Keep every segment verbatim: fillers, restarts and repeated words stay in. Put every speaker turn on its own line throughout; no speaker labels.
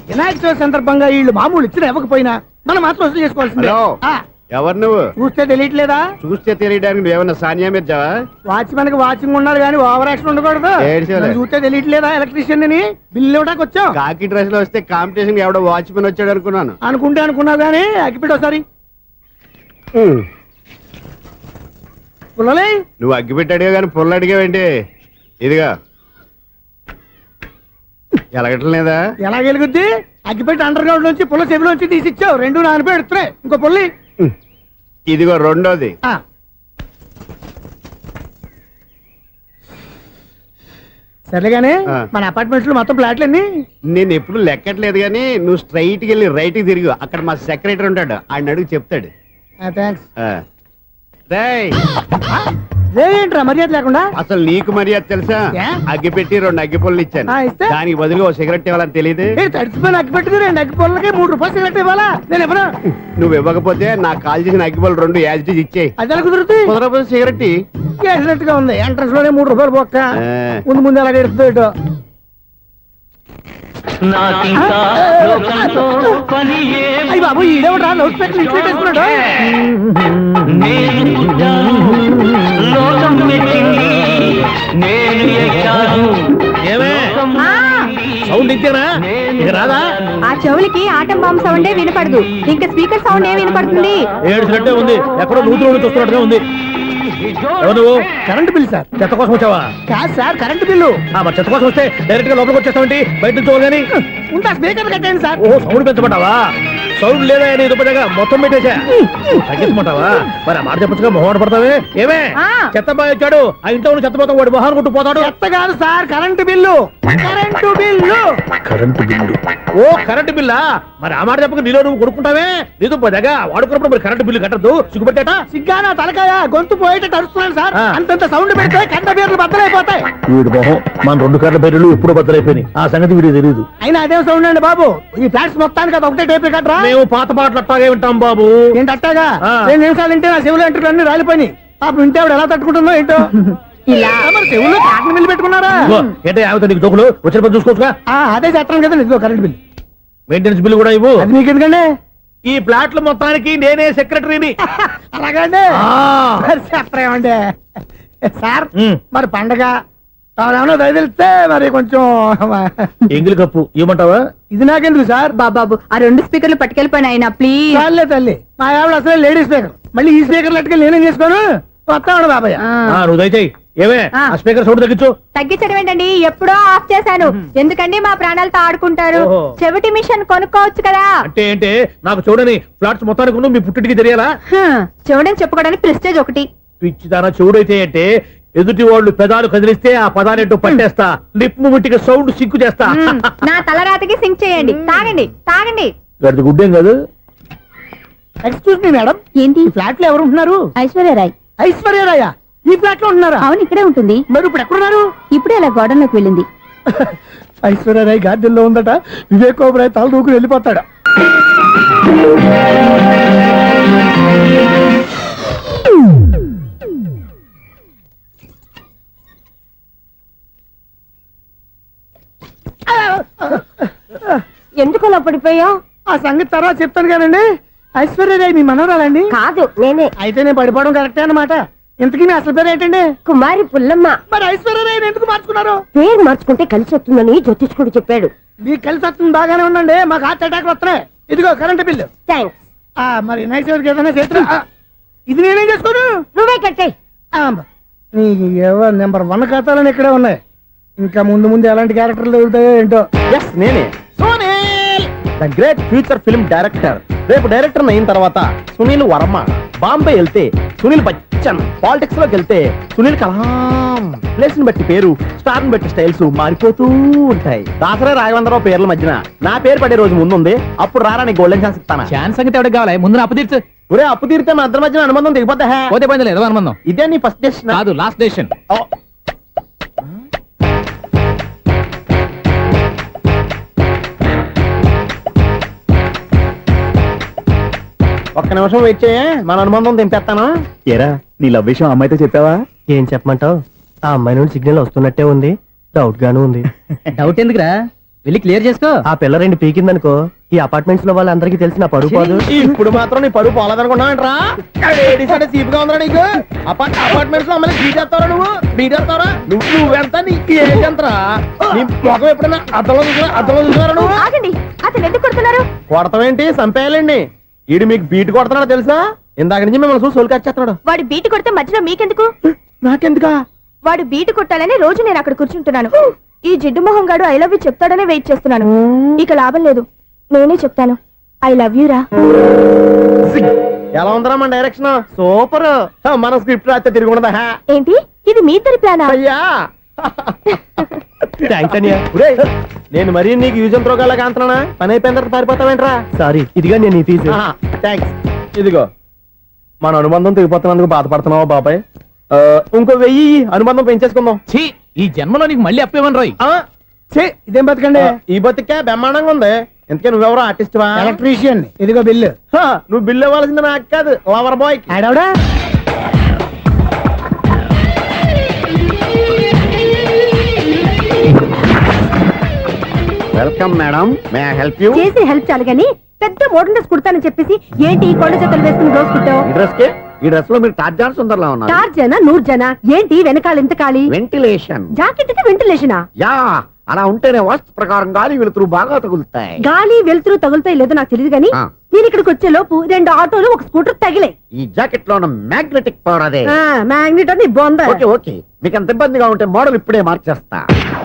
వినాయక చవితి సందర్భంగా వీళ్ళు మామూలు ఇచ్చిన ఇవ్వకపోయినా మనం మాత్రం వసూలు చేసుకోవాల్సిందే. ఆ,
ఎవరు నువ్వు?
చూస్తే తెలియట్లేదా?
చూస్తే తెలియడానికి నువ్వేమన్నా సానియా మీర్జావా?
వాచ్మెన్ కి వాచింగ్ ఉండాలి కానీ ఓవర్ యాక్షన్ ఉండకూడదు.
ఏడ్చేలే.
నన్ను చూస్తే తెలియట్లేదా ఎలక్ట్రీషియన్ అని? బిల్లు ఇవ్వడానికి వచ్చాం.
కాకి డ్రెస్ లో వస్తే కాంపిటీషన్ ఎవడో వాచ్మెన్ వచ్చాడు అనుకున్నాను.
అనుకుంటే అనుకున్నావు కానీ అగ్గిపెట్టి ఒకసారి పుల్లలే.
నువ్వు అగ్గిపెట్టి అడిగా కానీ పుల్ల అడిగావేంటి? ఇదిగా ఎలగటం లేదా?
ఎలా గెలుగుద్ది? అగ్గిపెట్టి అండర్ గ్రౌండ్ నుంచి పుల్ల చెవిలోంచి తీసిచ్చావు. రెండు నాన్నపై ఎడుతున్నాయి. ఇంకో పుల్లి.
ఇదిగో రెండోది.
సరేగానే మన అపార్ట్మెంట్స్ లో మొత్తం ఫ్లాట్లు అన్ని
నేను ఎప్పుడు లెక్కట్లేదు కానీ నువ్వు స్ట్రైట్ కి వెళ్ళి రైట్ కి తిరిగి అక్కడ మా సెక్రటరీ ఉంటాడు, ఆయన అడుగు చెప్తాడు.
థ్యాంక్స్.
రేయ్,
ఏంట్రా మర్యాద లేకుండా?
అసలు నీకు మర్యాద తెలుసా? అగ్గి పెట్టి రెండు అగ్గి పుల్లలు ఇచ్చాను, దానికి బదులుగా ఓ సిగరెట్ ఇవ్వాలని తెలియదు.
తడిచిపోయిన అగ్గి పెట్టి రెండు అగ్గి పుల్లలకి మూడు రూపాయలు సిగరెట్ ఇవ్వాలా? నేను ఇవ్వను.
నువ్వు ఇవ్వకపోతే నాకు కాల్ చేసిన అగ్గి పుల్లలు రెండు యాజిటీజ్ ఇచ్చేయి.
అది ఎలా కుదురుతుంది?
కుదరకపోతే సిగరెట్
చేసినట్టుగా ఉంది. ఎంట్రన్స్ లోనే మూడు రూపాయలు పోక్క. ముందు ముందు ఎలా ఎడుతుంది ఇటు. అయ్యి బాబు ఈడేవడా లౌడ్ స్పీకర్ ఇంట్లో పెట్టేసుకున్నాడు.
సౌండ్ ఇంతేనా? ఇక రాదా?
ఆ చెవులకి ఆటం బాంబు సౌండే వినపడదు, ఇంకా స్పీకర్ సౌండ్ ఏ వినపడుతుంది?
ఏడుసినట్టే ఉంది, ఎక్కడో నూతులు చూస్తున్నట్టుగా ఉంది. నువ్వు
కరెంట్ బిల్ సార్.
చెత్త కోసం వచ్చావా?
కాదు సార్, కరెంట్ బిల్లు.
మరి చెత్త కోసం వస్తే డైరెక్ట్ గా లోపలికి వచ్చేస్తావంటి? బయట నుంచి కానీ
ఉంటా స్పీకర్ కట్టండి సార్.
ఓ సౌండ్ పెంచమంటావా? సౌండ్ లేదా నీ దుబ్బగా మొత్తం పెట్టేసా. తగ్గించమంటావా? మరి ఆ మాట చెప్పచ్చుగా మొహమాట పడతావే. ఏమే చెత్త బాగా ఇచ్చాడు, ఆ ఇంట్లో ఉన్న చెత్త పోతాం, వాడు మొహాన్ని కొట్టు పోతాడు.
చెత్త కాదు sir, current bill. Current bill.
Current bill. ఓ కరెంటు బిల్లా? మరి ఆ మాట చెప్పక నీలో నువ్వు కొడుకుంటావే. నీ దుబ్బగా వాడుకున్నప్పుడు మరి కరెంటు బిల్లు కట్టద్దు, సిగ్గుపెట్టేట.
సిగ్గానా తలకాయ? గొంతు పోయేటట్టు అరుస్తున్నాను సార్. అంతంత సౌండ్ పెడితే కంట బీర్లు బద్దలైపోతాయి.
వీడు మొహం మన రెండు కరెంటు బీర్లు ఎప్పుడు బద్దలైపోయినాయి, ఆ సంగతి వీడికి తెలియదు.
అయినా అదే సౌండ్ అండి బాబు. ఈ ఫ్లాట్స్ మొత్తానికి అది ఒకటే టైప్ కట్టరా?
మేము పాత పాటలు అట్టాగే వింటాం బాబు.
ఏంటి అట్టాగా? రెండు నిమిషాలు వింటే నా చెవులు ఎంటర్ అన్ని రాలిపోయి పాపం వింటే ఆవిడ ఎలా తట్టుకుంటుందో ఏంటో. ఇలా మరి చెవుల్లో కాటన్ బిల్లు పెట్టుకున్నారా?
ఏంటో ఆమెతో నీకు దోకులు వచ్చిన పని చూసుకోవచ్చుగా.
అదే చేస్తాను కదా ఇదిగో కరెంట్ బిల్.
మెయింటెనెన్స్ బిల్లు కూడా ఇవ్వు.
అది మీకు ఎందుకండి?
ఈ ప్లాట్ల మొత్తానికి నేనే సెక్రటరీని.
అలాగండి. చెప్పరేమండి సార్. మరి పండగ ఏమన్నా దయదలిస్తే మరి కొంచెం
ఎంగిలి కప్పు ఇవ్వమంటావా?
ఇది నాకెందుకు సార్?
బాబాబు ఆ రెండు స్పీకర్లు పట్టుకెళ్ళిపోయిన ఆయన ప్లీజ్.
చాలే తల్లి, మా ఆవిడ అసలే లేడీ స్పీకర్, మళ్ళీ ఈ స్పీకర్లు అట్టుకెళ్ళి నేనేం చేసుకోను? వస్తాడు బాబాయ్.
నువ్వు దయచేయి. ఏమే ఆ స్పీకర్ సౌండ్ తగ్గించు.
తగ్గించడం ఏంటండి, ఎప్పుడో ఆఫ్ చేశాను. ఎందుకండి మా ప్రాణాలతో ఆడుకుంటారు? చెవిటి మిషన్ కొనుక్కోవచ్చు కదా.
అంటే ఏంటే నాకు చూడని ఫ్లాట్స్ మొత్తానికి మీ పుట్టింటికి తెలియాలా?
చెవుడని చెప్పుకోవడానికి ప్రెస్టేజ్ ఒకటి.
పిచ్చిదానా చెవుడైతే అంటే ఎదుటి వాళ్ళు పెదాలు కదిలిస్తే ఆ పదాలేంటో పట్టేస్తా, లిప్ ముట్టికి సౌండ్ సింకు చేస్తా.
నా తలరాతకి సింక్ చేయండి. తాగండి తాగండి.
గడిది గుడ్డేం కాదు.
ఎక్స్క్యూజ్ మీ మేడం,
ఏంటి?
ఫ్లాట్ లో ఎవరు ఉంటున్నారు?
ఐశ్వర్యరాయ్.
ఐశ్వర్యరాయ ఈ ఫ్లాట్ లో ఉంటున్నారా?
అవును, ఇక్కడే ఉంటుంది.
మరి ఇప్పుడు ఎక్కడున్నారు?
ఇప్పుడే అలా గోడంలోకి వెళ్ళింది.
ఐశ్వర్యరాయ్ గార్డెన్ లో ఉందట. వివేక్ ఓబరాయ్ తల దూకుని వెళ్ళిపోతాడు.
ఎందుకు అలా పడిపోయావు?
ఆ సంగతి తర్వాత చెప్తాను కానండి. ఐశ్వర్యరాయ్ మీ మనవరాలండి?
కాదు, నేనే.
అయితే నేను పడిపోవడం కరెక్టే అన్నమాట. ఇంతకీ మీ అసలు పేరు ఏంటండి?
కుమారి పుల్లమ్మ.
మరి ఐశ్వర్యరాయ్ ఎందుకు మార్చుకున్నారు?
పేరు మార్చుకుంటే కలిసి వస్తుందని జ్యోతిష్కుడు చెప్పాడు.
మీకు కలిసి వస్తుంది, బాగానే ఉండండి. మాకు హార్ట్ అటాక్ వస్తున్నాయి. ఇదిగో కరెంట్ బిల్లు.
థ్యాంక్స్.
మరి నైట్ ఏదైనా చేస్తున్నా ఇది నేనేం చేసుకోను?
నువ్వే కట్టే.
ఎవరు నెంబర్ వన్ ఖాతాలని ఇక్కడే ఉన్నాయి. ఇంకా ముందు ముందు ఎలాంటి క్యారెక్టర్లు దొరుకుతాయో ఏంటో.
నేనే the great future film director. రేపు డైరెక్టర్ అయిన తర్వాత సునీల్ వర్మ. బాంబే వెళ్తే సునీల్ బచ్చన్. పాలిటిక్స్ లోకి వెళ్తే సునీల్ కలాం. ప్లేస్ ని బట్టి పేరు, స్టార్ ని బట్టి స్టైల్స్ మారిపోతూ ఉంటాయి. దాసరే రాఘవేంద్రరావు పేర్ల మధ్యన నా పేరు పడే రోజు ముందుంది. అప్పుడు రారా నీ గోల్డెన్ ఛాన్స్ ఇస్తాను.
ఛాన్స్ సంగతి ఎవరికి కావాలి? ముందు అప్పు తీర్చు.
ఒరే అప్పు తీరితే మన ఇద్దరి మధ్యన అనుబంధం దిగిపోతా.
పోతే పోయింది లేదు అనుబంధం.
ఇదే నీ ఫస్ట్ డెసిషన్
కాదు, లాస్ట్ డెసిషన్.
ఒక్క నిమిషం వెయిట్ చేయ, మన అనుబంధం తెంపేస్తాను.
ఏరా నీ లవ్ విషయం అమ్మాయితో చెప్పావా?
ఏం చెప్పమంటావు? ఆ అమ్మాయి నుండి సిగ్నల్ వస్తున్నట్టే ఉంది, డౌట్ గాను ఉంది.
డౌట్ ఎందుకురా? వెళ్ళి క్లియర్ చేసుకో.
ఆ పిల్ల రెండు పీకిందనుకో ఈ అపార్ట్మెంట్స్ లో వాళ్ళందరికీ తెలిసిన పరుగు పోదు. ఇప్పుడు మాత్రం నీ పరుగు పోలేదనుకున్నావేంట్రా? సీపుగా ఉందా నీకు? అపార్ట్మెంట్స్ లో అమ్మని బీటేస్తారా నువ్వు? బీటేస్తారా నువ్వు? నువ్వెంత నీకు ఏంటంతరా? నీ ముఖం ఎప్పుడైనా అద్దంలో చూసినా అద్దంలో చూసినారా నువ్వు?
ఆగండి, అతను ఎందుకు కొడుతున్నారు?
కొడతావేంటి? చంపేయాలండి. ఈడు మీకు బీట్ కొడుతున్నాడు తెలుసా? ఇందాక నుంచి మిమ్మల్ని చూసి సోల్ కచ్చేస్తున్నాడు.
వాడు బీటు కొడితే మధ్యలో మీకెందుకు?
నాకెందుకా?
వాడు బీటు కొట్టాలని రోజు నేను అక్కడ కూర్చుంటున్నాను. ఈ జిడ్డు మొహం గాడు ఐ లవ్ యూ చెప్తాడనే వెయిట్ చేస్తున్నాను. ఇక లాభం లేదు, నేనే చెప్తాను ఐ లవ్ యూ రా.
ఎలా ఉందరా మన డైరెక్షన్? సూపర్. మన స్క్రిప్ట్ రాస్తే తిరిగి ఉండదా?
ఏంటి ఇది మీ ఇద్దరి ప్లానా?
అయ్యా థ్యాంక్స్ అనియా. నేను మరీ నీకు యూజ్ అంత రోగాలకు అంటున్నా. పని అయిపోయిన తర్వాత పారిపోతావేంట్రా? సారీ, ఇదిగా నేను తీసి. థ్యాంక్స్. ఇదిగో మన అనుబంధం తెగిపోతున్నందుకు బాధపడుతున్నావా బాబాయ్? ఆ, ఇంకో వెయ్యి అనుబంధం పెంచేసుకుందాం.
ఛీ, ఈ జన్మలో నీకు మళ్ళీ అప్పేమని రాయి.
ఆ,
ఛీ, ఇదేం బతకండి.
ఈ బతికే బ్రహ్మాండంగా ఉంది. ఎందుకే నువ్వెవరో ఆర్టిస్ట్ వా?
ఎలక్ట్రీషియన్. ఇదిగో బిల్లు.
హ, నువ్వు బిల్ ఇవ్వాల్సింది నాకు కాదు, లవర్ బాయ్.
ఆడవడా?
Welcome madam, may I help you?
చేసి హెల్ప్ చాలు గాని పెద్ద మోడల్ డ్రెస్ కుడతానని చెప్పేసి ఏంటి కొండ జతలు వేసుకుని రోజు కుట్టావు?
ఈ డ్రెస్ కి ఈ డ్రెస్ లో మీరు టార్జాన్ సుందర్లా ఉన్నారు.
చార్ జన నూరు జన ఏంటి వెనకాల ఎంత ఖాళీ?
వెంటిలేషన్.
జాకెట్ కి వెంటిలేషనా?
యా, అలా ఉంటేనే వాస్తు ప్రకారం గాలి వెలుతురు బాగా తగులుతాయి.
గాలి వెలుతురు తగులుతాయి లేదో నాకు తెలియదు గాని
ఆ.
నేను ఇక్కడికి వచ్చే లోపు రెండు ఆటోలు ఒక స్కూటర్ తగిలే.
ఈ జాకెట్ లో ఉన్న మ్యాగ్నెటిక్ పవర్ అదే.
మ్యాగ్నెట్ అని బొంద.
ఓకే ఓకే, మీకు అంత ఇబ్బందిగా ఉంటే మోడల్ ఇప్పుడే మార్చేస్తా.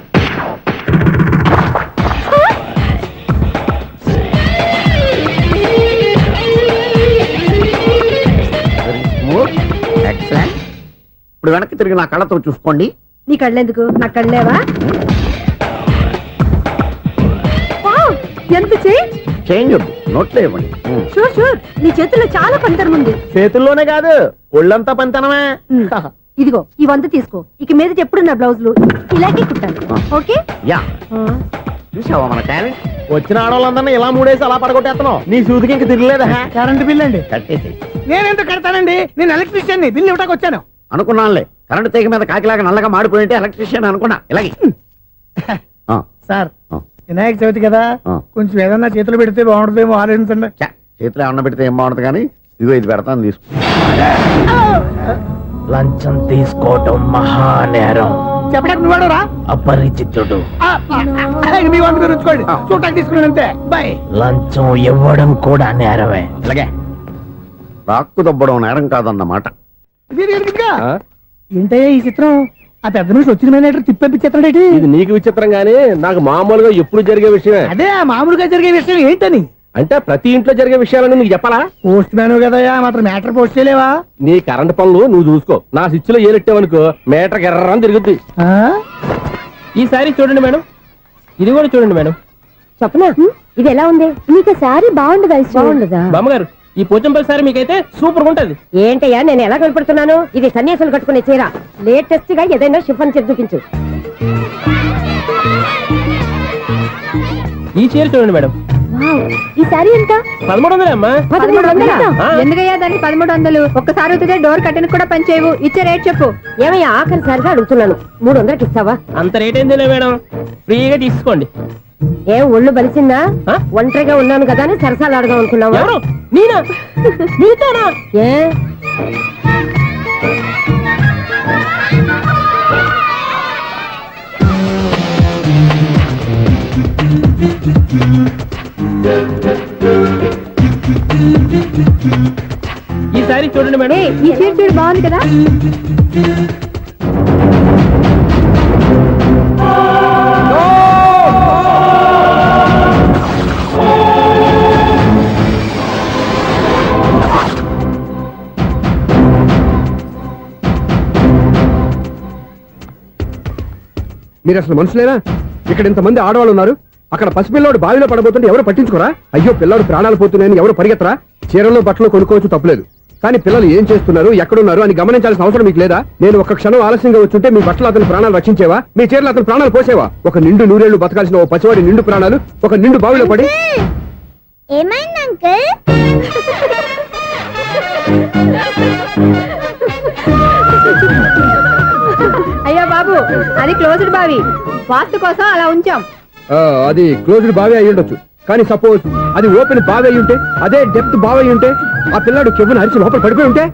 Very smooth. Excellent. ఇప్పుడు వెనక్కి తిరిగి నా కళ్ళతో చూసుకోండి.
నీ కళ్ళెందుకు? నా కళ్ళేవా? వావ్, ఎంత చేంజ్.
చేంజ్ వద్దు, నోట్లో ఇవ్వండి. Hmm.
షూర్ షూర్, నీ చేతుల్లో చాలా పంతరం ఉంది.
చేతుల్లోనే కాదు ఒళ్ళంతా పంతనమే.
ఉమ్, ఇదిగో ఈ వంద తీసుకో. ఇక మీద ఎప్పుడు నా బ్లౌజులు ఇలాగే కుట్టాను.
ఆ.
ఓకే.
యా, చూసావా మన టాలెంట్?
వచ్చిన ఆడవాళ్ళందరినీ ఇలా మూడేసి అలా పడగొట్టేస్తున్నావు. నీ సూదికి ఇంక తిరగలేదా?
కరెంట్ బిల్ అండి.
కట్టేసి.
నేనెందుకు కడతానండి? నేను ఎలక్ట్రీషియన్ ని. బిల్లు ఇవ్వడానికి వచ్చాను.
అనుకున్నానులే, కరెంట్ తీగ మీద కాకిలాగా నల్లగా మాడిపోయింటే ఎలక్ట్రీషియన్ అనుకున్నా. ఇలాగే ఆ,
సార్,
ఆ.
వినాయక చవితి కదా,
ఆ.
కొంచెం ఏదన్నా చేతులు పెడితే బాగుంటుందేమో ఆలోచించండి.
ఛ, చేతిలో అన్న పెడితే ఏం బాగుంటుంది కానీ ఇదిగో ఇది పెడతాను, తీసుకో.
లంచం తీసుకోవటం మహానేరం.
చెప్పడానికి నువ్వాడరా?
అపరిచితుడు.
మీ వంద మీరు ఉంచుకోండి, చూడటానికి తీసుకున్నాను అంతే. బాయ్.
లంచం ఇవ్వడం కూడా నేరమే.
ఇలాగే రాక్కు దబ్బడం నేరం కాదన్నమాట.
ఏంటయ్యా ఈ చిత్రం? ఆ పెద్ద నుంచి వచ్చిన మేనేటర్ తిప్పించేస్తాడేటి?
ఇది నీకు విచిత్రం గానీ నాకు మామూలుగా ఎప్పుడు జరిగే విషయమే.
అదే ఆ మామూలుగా జరిగే విషయం ఏంటని?
అంటే ప్రతి ఇంట్లో జరిగే విషయాలని నీకు చెప్పాలా?
పోస్ట్ మ్యాన్ కదయ్యా, మాత్రం మ్యాటర్ పోస్ట్ చేయలేవా?
నీ కరెంట్ పనులు నువ్వు చూసుకో. నా స్విచ్ లో ఏలెట్టావనుకో మీటర్ ఎర్రని తిరుగుద్ది.
ఆ?
ఈసారి చూడండి మేడం, ఇది కూడా చూడండి మేడం.
చెప్పనా, ఇది ఎలా ఉంది? నీకు సారీ బాగుండదా? బాగుండదా?
బామ్మగారు, ఈ పోచంపల్లి సారీ మీకైతే సూపర్ ఉంటది.
ఏంటయ్యా నేను ఎలా కనపడుతున్నాను? ఇది సన్యాసులు కట్టుకునే చీర. లేటెస్ట్ గా ఏదైనా షిఫన్ చేసి చూపించు.
ఈ చీర చూడండి మేడం,
ఈ సారీ ఎంత?
పదమూడు వందలే అమ్మా.
పదమూడు వందలా?
ఆ.
ఎందుకయ్యా దానికి పదమూడు వందలు? ఒక్కసారి అవుతుందే డోర్ కట్టను కూడా పనిచేయవు. ఇచ్చే రేట్ చెప్పు. ఏమయ్యా ఆఖరిసారిగా అడుగుతున్నాను, మూడు వందలకి ఇస్తావా?
అంత రేట్ ఏందిలే మేడం, ఫ్రీగా తీసుకోండి.
ఏం ఒళ్ళు బలిసిందా?
ఆ?
ఒంటరిగా ఉన్నాను కదా అని సరసాలు అడగా అనుకున్నావా?
ఎవరు? నేనా? నీతోనా?
ఏ
ఈ సారీ చూడండి మేడం.
ఏయ్, ఈ చీర చూడు బాగుంది కదా?
మీరు అసలు మనుషులేనా? ఇక్కడ ఇంతమంది ఆడవాళ్ళు ఉన్నారు, అక్కడ పసిపిల్లాడు బావిలో పడబోతుంటే ఎవరు పట్టించుకోరా? అయ్యో పిల్లాడు ప్రాణాలు పోతున్నాయని ఎవరు పరిగెత్తరా? చీరలో బట్టలు కొనుక్కోవచ్చు, తప్పులేదు. కానీ పిల్లలు ఏం చేస్తున్నారు, ఎక్కడున్నారు అని గమనించాల్సిన అవసరం మీకు లేదా? నేను ఒక్క క్షణం ఆలస్యంగా వచ్చుంటే మీ బట్టలు అతని ప్రాణాలు రక్షించేవా? మీ చీరలు అతని ప్రాణాలు పోసేవా? ఒక నిండు నూరేళ్లు బతకాల్సిన ఓ పసివాడి నిండు ప్రాణాలు ఒక నిండు బావిలో పడి.
ఏమైంది అంకుల్? అయ్యో బాబు, అది క్లోజ్డ్ బావి, వాస్తు కోసం అలా ఉంచాం.
ఆ, అది క్లోజ్డ్ బావి అయి ఉండొచ్చు కానీ సపోజ్ అది ఓపెన్ బావి అయి ఉంటే అదే డెప్త్ బావి అయి ఉంటే ఆ పిల్లాడు కెవ్వున అరిచి లోపల పడిపోయి ఉంటే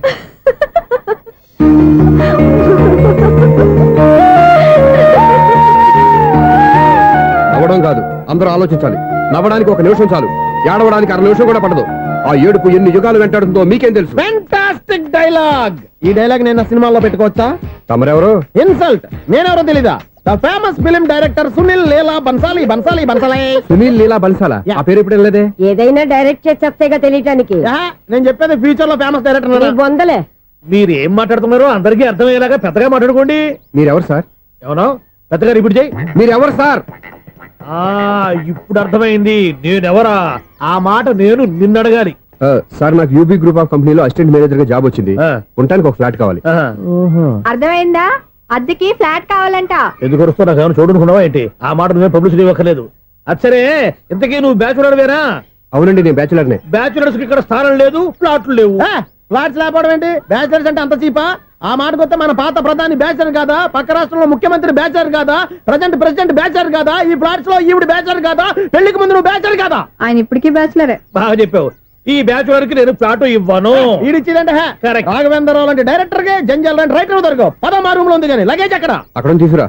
నవ్వడం కాదు అందరూ ఆలోచించాలి నవ్వడానికి ఒక నిమిషం చాలు ఏడవడానికి అర నిమిషం కూడా పడదు ఆ ఏడుపు ఎన్ని యుగాలు వెంటాడుతుందో మీకేం తెలుసు
ఫెంటాస్టిక్ డైలాగ్ ఈ డైలాగ్ నేను నా సినిమాలో పెట్టుకోవచ్చా?
తమరెవరు
ఇన్సల్ట్ నేనెవరో తెలీదా? The famous film director Sunil Leela Bhansali Bhansali Bhansali
Sunil Leela బన్సాలా ఆ పేరు ఇప్పుడు వెళ్ళలేదే
ఏదైనా డైరెక్ట్ చేసేస్తేగా తెలియటానికి
ఆహా, నేను చెప్పేది ఫ్యూచర్ లో ఫేమస్
నీ
డైరెక్టర్.
బొందలే
మీరు ఏం మాట్లాడుతున్నారో అందరికీ అర్థమయ్యేలాగా పెద్దగా మాట్లాడుకోండి.
మీరెవరు సార్
ఏమన్నా పెద్దగా రిపీట్ చేయి.
మీరెవరు సార్
ఆ ఇప్పుడు అర్థమైంది నేనెవరా. ఆ మాట నేను నిన్ను అడగాలి.
ఆ, సార్ నాకు యూబీ గ్రూప్ ఆఫ్ కంపెనీలో అసిస్టెంట్ మేనేజర్ గా జాబ్ వచ్చింది
ఆ.
ఉండటానికి ఒక ఫ్లాట్ కావాలి
ఆహా.
అర్థమైందా? అద్దెకి ఫ్లాట్ కావాలంట.
ఎందుకు వస్తున్నా ఏమైనా చూడనుకున్నావా ఏంటి? ఆ మాట నువ్వే పబ్లిసిటీ ఇవ్వక్కర్లేదు. అచ్చరే ఇంతకీ నువ్వు బ్యాచులర్ వేరా?
అవునండి నేను బ్యాచులర్ నే
బ్యాచులర్స్ కి ఇక్కడ స్థానం లేదు, ప్లాట్లు లేవు.
ఫ్లాట్స్ లేకపోవడం ఏంటి? బ్యాచిలర్స్ అంటే అంత చీపా? ఆ మాటకొస్తే మన పాత ప్రధాని బ్యాచర్ కాదా? పక్క రాష్ట్రంలో ముఖ్యమంత్రి బ్యాచర్ కాదా? ప్రజెంట్ ప్రెసిడెంట్ బ్యాచర్ కాదా? ఈ ఫ్లాట్స్ లో ఈవిడ బ్యాచర్ కాదా? పెళ్లికి ముందు నువ్వు బ్యాచర్ కాదా?
ఆయన ఇప్పటికీ బ్యాచులరే.
బాగా చెప్పావు. ఈ బ్యాచులర్ కి నేను ఫ్లాట్ ఇవ్వను.
ఈడిచ్చిందంటే
Correct.
రాఘవేంద్రరావు లాంటి డైరెక్టర్ కి జంజల్ లాంటి రైటర్ దొరకవు. పదమా రూమ్ లో ఉంది కానీ లగేజ్ అక్కడ.
అక్కడ నుంచి తీసుకురా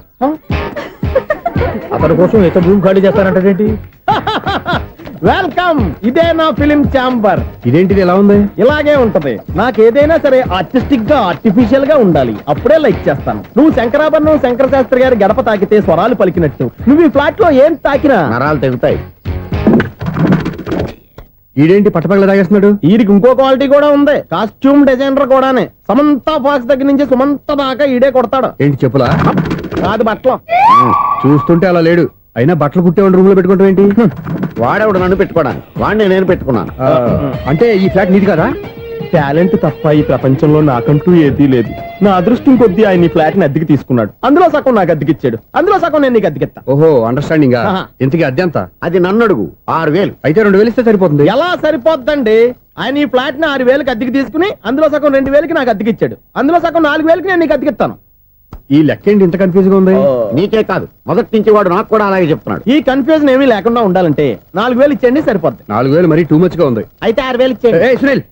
అతని కోసం ఎంత రూమ్ ఖాళీ చేస్తానంటే
వెల్కమ్, ఇదే నా ఫిలిం ఛాంబర్.
ఇదేంటిది ఎలా ఉంది
ఇలాగే ఉంటది. నాకు ఏదైనా సరే ఆర్టిస్టిక్ గా ఆర్టిఫిషియల్ గా ఉండాలి, అప్పుడే లైక్ చేస్తాను. నువ్వు శంకరాభరణం శంకర శాస్త్రి గారి గడప తాకితే స్వరాలు పలికినట్టు నువ్వు ఈ ఫ్లాట్ లో ఏం తాకినా
నరాలు తెగుతాయి.
ఈడేంటి పట్టపగల తాగేస్తున్నాడు
వీరికి ఇంకో క్వాలిటీ కూడా ఉంది. కాస్ట్యూమ్ డిజైనర్ కూడానే. సమంత ఫాక్స్ దగ్గర నుంచి సుమంత దాకా ఈడే కొడతాడు.
ఏంటి చెప్పులా
కాదు బట్టలు.
చూస్తుంటే అలా లేడు అయినా బట్టలు కుట్టేవాడి రూమ్ లో పెట్టుకుంటాం ఏంటి
వాడేవాడు నన్ను పెట్టుకోవడానికి, వాడిని నేను పెట్టుకున్నాను.
ఆ, అంటే ఈ ఫ్లాట్ నీది కదా
టాలెంట్ తప్ప ఈ ప్రపంచంలో నాకంటూ ఏదీ లేదు. నా అదృష్టం కొద్దీ ఆయన ఈ ఫ్లాట్ ని అద్దెకి తీసుకున్నాడు. అందులో సగం నాకు అద్దెకిచ్చాడు, అందులో సగం నేను నీకు అద్దెకిస్తా.
ఓహో అండర్స్టాండింగ్
ఆహా.
ఇంతకీ అద్దె ఎంత
అది నన్ను అడుగు. ఆరు వేలు.
అయితే రెండు వేలు ఇస్తే సరిపోతుంది
ఎలా సరిపోద్దండి? ఆయన ఈ ఫ్లాట్ ని ఆరు వేలకి అద్దెకి తీసుకుని అందులో సగం రెండు వేలకి నాకు అద్దెకిచ్చాడు, అందులో సగం నాలుగు వేలకి నేను నీకు అద్దెకిస్తాను.
ఈ లెక్క ఏంటి ఇంత కన్ఫ్యూజ్ గా ఉంది
నీకే కాదు, మొదటి నుంచి వాడు నాకు కూడా అలాగే చెప్తున్నాడు.
ఈ కన్ఫ్యూజన్ ఏమీ లేకుండా ఉండాలంటే నాలుగు వేలు ఇచ్చేయండి సరిపోద్ది.
నాలుగు వేలు మరీ టూ మచ్ గా ఉంది
అయితే ఆరు వేలు ఇచ్చేయండి.
ఏయ్, సునీల్